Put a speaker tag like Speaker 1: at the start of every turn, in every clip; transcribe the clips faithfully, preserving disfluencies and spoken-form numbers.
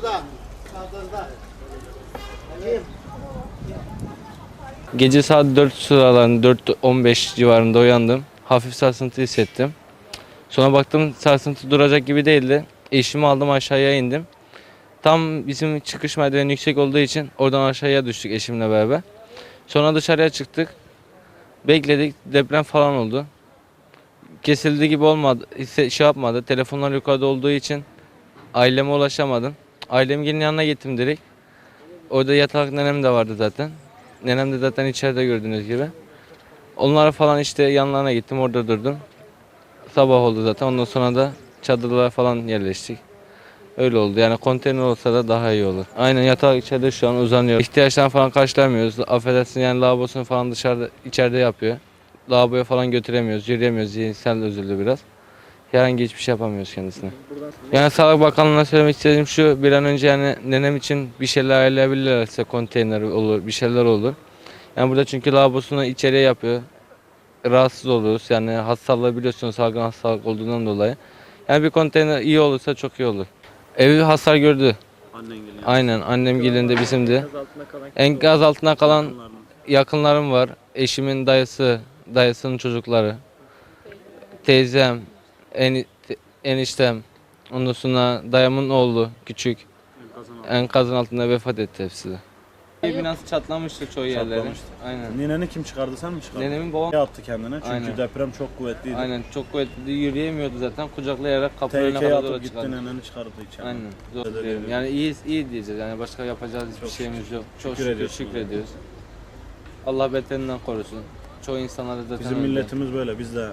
Speaker 1: Gece saat dört sıralarında dört on beş civarında uyandım. Hafif sarsıntı hissettim. Sonra baktım sarsıntı duracak gibi değildi. Eşimi aldım, aşağıya indim. Tam bizim çıkış merdiveni yüksek olduğu için oradan aşağıya düştük eşimle beraber. Sonra dışarıya çıktık. Bekledik, deprem falan oldu. Kesildi gibi olmadı, hisse- şey yapmadı. Telefonlar yukarıda olduğu için aileme ulaşamadım. Ailemin yanına gittim direkt. Orada yatak nenem de vardı zaten. Nenem de zaten içeride gördüğünüz gibi. Onlara falan işte yanlarına gittim, orada durdum. Sabah oldu zaten, ondan sonra da çadırlara falan yerleştik. Öyle oldu, yani konteyner olsa da daha iyi olur. Aynen, yatak içeride şu an uzanıyor. İhtiyaçlarını falan karşılamıyoruz. Affedersin, yani lavabosunu falan dışarıda, içeride yapıyor. Lavaboya falan götüremiyoruz, yürüyemiyoruz. Zihinsel özürlü biraz. Herhangi hiçbir şey yapamıyoruz kendisine. Yani Sağlık Bakanlığı'na söylemek istediğim şu: bir an önce yani nenem için bir şeyler ayarlayabilirlerse, konteyner olur, bir şeyler olur. Yani burada çünkü lavabosunu içeriye yapıyor. Rahatsız oluruz. Yani hastalığı biliyorsunuz, salgın hastalık olduğundan dolayı. Yani bir konteyner iyi olursa çok iyi olur. Evi hasar gördü.
Speaker 2: Annen geliyor.
Speaker 1: Aynen, annem gelinde bizimdi.
Speaker 3: Enkaz altında kalan kimse
Speaker 1: Enkaz altına kalan
Speaker 2: Yakınlarınız.
Speaker 1: yakınlarım var. Eşimin dayısı, dayısının çocukları, teyzem, en, eniştem, ondan sonra dayımın oğlu küçük.
Speaker 2: Enkazın altında.
Speaker 1: Enkazın altında vefat etti hepsi de. Ev binası çatlamıştı çoğu yerleri.
Speaker 2: Çatlamıştı.
Speaker 1: Aynen.
Speaker 2: Nineni kim çıkardı, sen mi çıkardın?
Speaker 1: Nenemin babam
Speaker 2: Ne yaptı kendine? Çünkü
Speaker 1: Aynen.
Speaker 2: deprem çok kuvvetliydi.
Speaker 1: aynen çok kuvvetli, yürüyemiyordu zaten. Kucaklayarak kapının önüne
Speaker 2: Tehlikeye
Speaker 1: kadar
Speaker 2: atıp
Speaker 1: doğru
Speaker 2: gitti,
Speaker 1: çıkardı.
Speaker 2: neneni çıkardı içeri.
Speaker 1: Aynen. Zor
Speaker 2: Teşekkür
Speaker 1: diyelim.
Speaker 2: ederim.
Speaker 1: Yani iyi iyi diyeceğiz. Yani başka yapacağız hiçbir
Speaker 2: Çok
Speaker 1: şeyimiz yok. Çok
Speaker 2: Şükür
Speaker 1: şükür,
Speaker 2: ediyorsun.
Speaker 1: şükrediyoruz. Allah beterinden korusun. Çoğu insanları zaten
Speaker 2: Bizim
Speaker 1: öldü.
Speaker 2: milletimiz böyle, biz de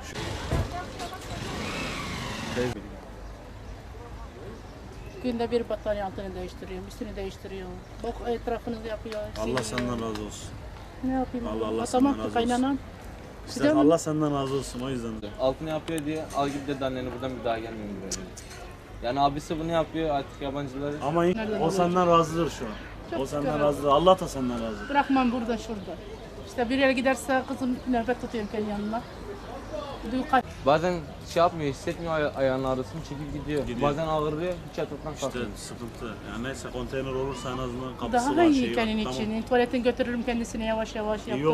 Speaker 3: günde bir battaniye altını değiştiriyorum, üstünü değiştiriyorum. Bak etrafını yapıyor.
Speaker 2: Allah
Speaker 3: siliyor.
Speaker 2: senden razı olsun.
Speaker 3: Ne yapayım?
Speaker 2: Allah Allah
Speaker 3: Atamak
Speaker 2: senden razı
Speaker 3: kaynanan.
Speaker 2: İşte
Speaker 3: Bir de
Speaker 2: Allah senden razı olsun, o yüzden.
Speaker 1: Altını yapıyor diye al git dedi anneni, buradan bir daha gelmiyorum buraya. Yani abisi bunu yapıyor artık, yabancıları.
Speaker 2: Ama
Speaker 3: Nereden
Speaker 2: o senden razıdır şu an.
Speaker 3: Çok
Speaker 2: O senden
Speaker 3: şükür.
Speaker 2: razıdır. Allah da senden razıdır.
Speaker 3: Bırakmam burada şurada. İşte bir yere giderse kızım nöbet tutuyorum kendi yanına. Dul kaç.
Speaker 1: Bazen şey yapmıyor, hissetmiyor, ay- ayağının ağrısını çekip gidiyor.
Speaker 2: Gidiyor.
Speaker 1: Bazen ağırlıyor, hiç yataktan
Speaker 2: İşte
Speaker 1: kalkmıyor.
Speaker 2: sıkıntı. Yani neyse, konteyner olursa en azından kapısı
Speaker 3: Daha
Speaker 2: var,
Speaker 3: iyi
Speaker 2: şeyi var.
Speaker 3: kendin
Speaker 2: Tamam.
Speaker 3: için. Tuvaletin götürürüm kendisine yavaş yavaş
Speaker 2: İyi
Speaker 3: yaptım.